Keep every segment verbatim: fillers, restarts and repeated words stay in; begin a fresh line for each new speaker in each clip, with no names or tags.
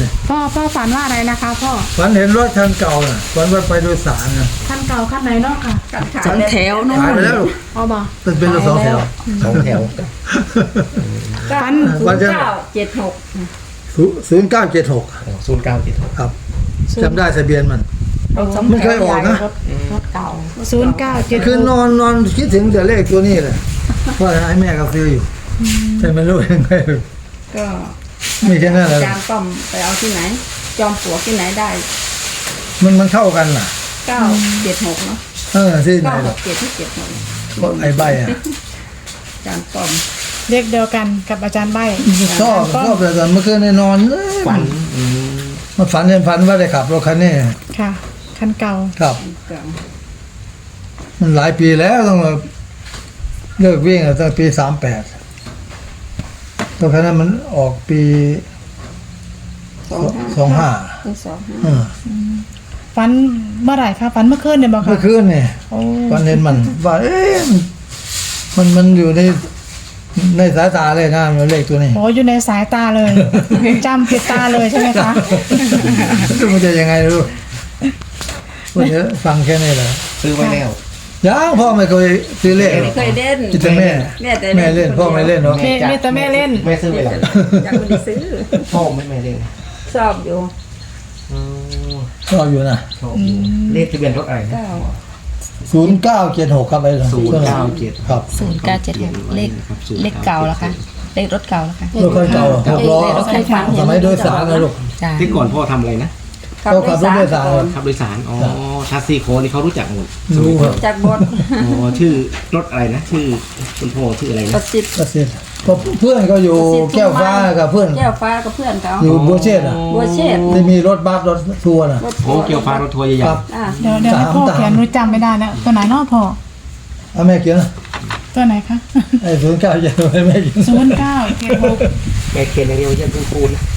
เนี่ย
พ่อพ่อฝันว่าอะไรนะคะพ่อ
ฝันเห็นรถคันเก่าน่ะฝันว่าไปโดยสารน่ะ
คันเก่าคันไหนเนาะค่ะ
สองแถวนู่น
ขายไปแล้ว
เอาบ่
เป็นเป็นรถสองแถว
สองแถว
ฝัน
ศูนย์เก้าเจ็ดหก
ศูนย์เก้าเจ็ดหก
ศูนย์เก้าเจ็ดหก
ครับจำได้ทะเบียนมัน
รถสอง
ไม่
แถ
เคยว ออกนะ
รถเก่า
ศูนย์เก้าเจ็ด
คือนอนนอนคิดถึงแต่เลขตัวนี้เลยว่าไอ้แม่ก็ซื้ออยู่แต่ไม่รู้ยังไง
ก็
มีแค่นั้นแหละ
จามป้อมไปเอาที่ไหน จอมปลวกที่ไหนได้
มันมันเข้ากันน่ะ
เก้าเจ็ดหกเนาะ
เออที่ไหน
เก้า
ห
ห
รอก
กเจ็ดที่เจ็ดหก
ก็ไอ้ใบอ่ะ
จามป้อม
เลขเดียวกันกับอาจารย์ใบ
ชอบชอบแต่ตอนเมื่อคืนในนอนเอ้ย
ฝันอืม
มันฝันเห็นฝันว่าได้ขับรถคันนี้
ค่ะ คันเก่า
ครับ
เก่า
มันหลายปีแล้วต้องมาเลิกวิ่งอะตั้งปีสามแปดตอนนั้นมันออกปี
สองห้า
สองห้า
ปีสองห้า
เออ
ฝันเมื่อไหร่คะฝันเมื่อคืนเนี่ยบอก
เมื่อ
ค่ะ
คืนนี่
โอ้
ฝันเห็นมันว่า เอ๊ะมันมันอยู่ในในสายตาเลยนะมันเลขตัวนี้
โหอยู่ในสายตาเลย จำผิดตาเลยใช่ไหมคะ
มันจะยังไงรู้วันนี้ฟังแค่นี้แหละ
ซื้อไว้แล้ว
ยังพ่อไม่เคยซื้อเลข
ไม่เคยเล่น
คิดแต่แม่
แม่แต่
แม่เล่นพ่อไม่เล่นเนาะ
แม่แม่แต่แม่เล่น
แม่ซื้อไว้แล้ว
ยังไม่ได้ซื้อ
พ่อไม่แม่เล่น
ชอบอยู่
อืม
ชอบอยู่นะ
ชอบอยู่เลขทะเบียนรถอะไรนะ
เก้า
ศูนย์เก้าเจ็ดหกครับไอ้
ศูนย์เก้าเจ็ด
ครับ
ศูนย์เก้าเจ็ดหกเลขเลขเก่าแล้วค่ะเลขรถเก่าแล้วค่ะ
รถคันเก่าหกล้อ
เลขรถคันเก่า
สมัยโดยสารนะลูก
จ้า
ที่ก่อนพ่อทำอะไรนะ
เขาขับรถโดยสาร
ก่อน
ขับโดยสารอ๋อชาซีโคนี่เขารู้จักหมด
รู้ครับ
จากบท
อ๋อชื่อรถอะไรนะชื่อคุณพ่อชื่ออะไร
ป
นะ
ระสิทธิ์
ก็เสร็จก็เพื่อนก็อยู่แก้วฟ้ากับเพื่อน
แก้วฟ้ากับเพื่อนเขา
อยู่บัวเชษฐ์อ่ะ
บัวเชษฐ์
ที่มีรถบัสรถทัวร์น่ะ
รถ
โอ้เกี่ยวฟ้ารถทัวร์ใหญ่
ครับ
อ่า
เดี๋ยวเดี๋ยวให้พ่อเขียนหนูจำไม่ได้แล้วตัวไหนเนาะพ่อ
เอาแม่เขียนนะ
ตัวไหนคะ
ไอ้ศูนย์เก้าเจ็ดหกแม่เขียน
ศูนย์เก้าเจ็ดหก
ๆแม่เขียนอย่างเดียวยังเป็นปูนนะ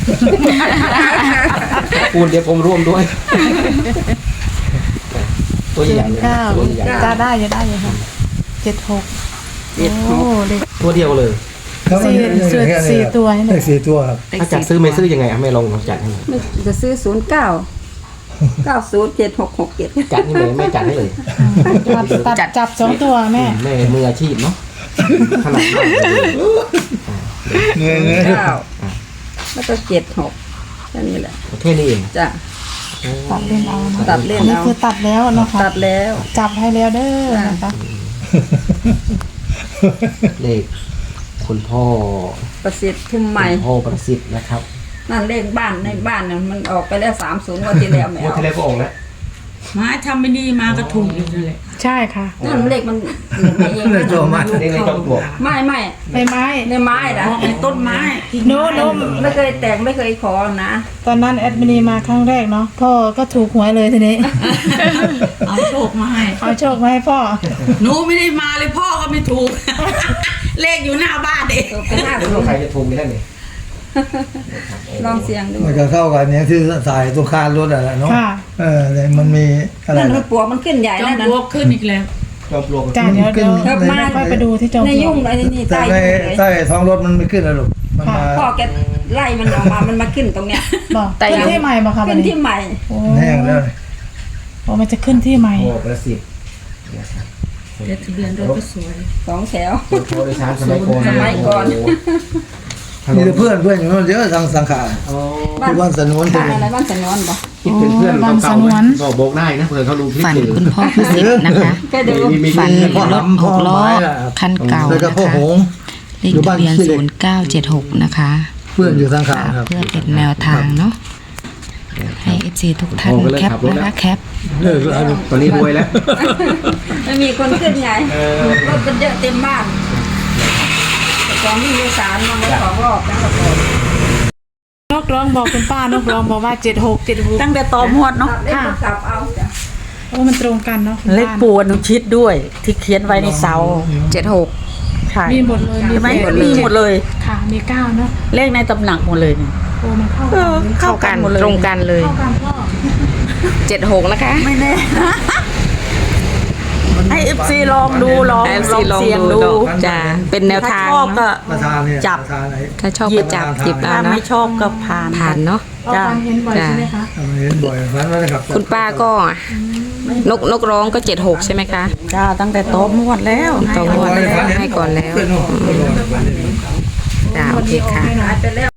ปูนเดี๋ยวผมร่วมด้วย ตัวใหญ่ๆเลยนะ
เก้า
ตัวใหญ่
จะได้จะได้อยู่ค่ะเจ็ดหก
เจ็ดห
โอ้
ก
เลข
ๆตัวเดียวเลย
ครับ
สี่
อันนี้
สี่
แค่นี้
สี่
ครับ
ตัวให้หน่
เล
อย
ขสี่ตัวครับ
ถ้าจัดซื้อไม่ซื้อยังไงอ่ะไม่ลองลองจัดให้หน่อย
ไม่จะซื้อศูนย์เก้าเก้าศูนย์เจ็ดหกหกเจ็ด
จัดให้เลยไม่จัดให้เลย
ตัดตัดจับสองตัวแม่
แม่มืออาชีพเนาะขนาดมากเลย
เงยเงย
เก้าแล้วก็เจ็ดหกแค่นี้แหละ
ประเทศนี้เอง
จ้ะ
ตัดเล่นเอานะ
ตัดเล่น
อันนี้
เอา
คือตัดแล้วเนาะค่ะ
ตัดแล้ว
จับให้แล้วเด้อนะคะ
เลขคุณพ่อ
ประสิทธิ์ทุ่มใหม่
คุณพ่อประสิทธิ์นะครับ
นั่นเลขบ้านในบ้านน่ะมันออกไปแล้วสามศูนย์วันที่แล้วไม่
งวด
เอา
ที่แล้วก็ออกแล้ว
มาทำไม่ดีมาก็ถูกอีกนั่นแหละ
ใช่ค่ะ
นั่นเลขมันไม่เอง
เลยตัวมัน
เลขในจอมปลวก
ไม่ไม่
ใบไม้
ในไม้นะ
เพราะในต้นไม้
โน้โน้
ไม่เคยแต่งไม่เคยขอนะ
ตอนนั้นแอดมินีมาครั้งแรกเนาะพ่อก็ถูกหวยเลยทีนี้
เอาโชคมาให้
เอาโชคมาให้พ่อ
หนูไม่ได้มาเลยพ่อก็ไม่ถูก เลขอยู่หน้าบ้านเอง
ตกไปห้า
ไม่
ศู
รู้
นย์
ใครจะถูกกันได้เลย
ลองเสียงดู
มันก็เข้ากับเนี้ยที่ใส่ตัวคานรถอะไรเนาะ
ค่ะ
เออแต่มันมีอะไร
นั่นมั
นะ
นปลวกมันขึ้นใหญ่
จอ
แล้
ม
วนะ
ปลวกขึ้นอีกแล้ว
จอมปลวก
จ้าเดี๋ยวเดี๋ยว
ครับมา
ค่อยไปดูที่จอม
ใน
ปลว
ยุ่
ก
งอะไรนี่
แต่
ใต้
ใน
ยุ่งเลย
ใต้ท้องรถมันไม่ขึ้นนะลูกมันมา
พ่อแกไล่มันออกมามันมาขึ้นตรงเนี้ย
บอกขึ้นที่ใหม่บอกค่ะวั
ขึ้
น
น
นี้
ที่ใหม่
โอ้
แห้งแล้ว
โอ้มันจะขึ้นที่ใหม่
พ่อประสิทธิ์นะครับ
เด็ทะเบียนรถก็สวย
สองแถว
รถทัวร์โดยสารสมัยก่อน
สมัยก่อน
มีแต่เพื่อนเพื่อนอยู่นั่นเยอะทางสังขาร
อ๋อ
ที่บ้านสนวน
บ้านอะไรบ้านสนวนบ่
คิดเป็นเพื่อนเก่าๆนะบอกบอกได้นะเผื่อเขารู้คลิป
ฝัน
อยู่
คุณพ่อพิสิทธิ์นะคะ
แค่ดู
มีมี
ฝัน
มี
รถหกล้อคันเก่า
แล้วก็
นะ
พ่อ
คะ
หง
เลขทะเบียนศูนย์เก้าเจ็ดหกนะคะ
เพื่อนอยู่สังขารครับ
เพื่อเป็นแนวทางเนาะให้เอฟซีทุกท่านแคปนะคะแคป
เลิกแล้วลูก
ตอนนี้รวยแล้ว
ไม่มีคนขึ้นไงรถมันเยอะเต็มบ้านแต่ของที่มีสารมันก็ของรอบแล้วก็บอก
นกร้องบอกคุณป้านกร้องบอกว่าเจ็ดหกเจ็ดหก
ตั้งแต่ตอมหวดเนาะ
เล่นกลับเอาจ้ะ
โอ้มันตรงกันเนาะคุณ
เลข
ป้า
ปูอนุชิตด้วย ที่เขียนไว้ในเสาเจ็ดหกใช่
มีหมดเลย
ใช่ไหม
แปด
มีหมดเลย
ค่ะมีเก้าเนาะ
เลขในตำหนักหมดเลยเนี่ย
โอ้มันเข้า
เอ
กัน
อเข้ากันหมดเลย
ตรงกันเลย
เข้ากันพ่อ
เจ็ดหกนะคะ
ไม่แน่ให้เอฟซีลองดูลอง
ให้
ลอง
เอฟซีลอง
เสียง
ดู
ดู
จ้ะเป็นแนว
ถ้า
ทาง
ชอบก็
ประธานเนี่ย
จับ
ประธานไหน
ถ้าชอบก็จับจิบเอา
ถ้า
เนาะ
ไม่ชอบก็ผ่าน
ผ่านเนาะ
พ
เอาฟันเห็นบ่อยใช่ไหมคะ
ทำไมเห็นบ่อยฝันว่าได้ขับ
คุณป้าก็นกนกร้องก็เจ็ดหกใช่ไหมคะ
จ้าตั้งแต่โต๊ะมวดแล้ว
ต่องวดแล้วให้ก่อนแล้ว
เป็นโน่นเป็นโน่น
จ้าโอเคค่ะ
หายไปแล้ว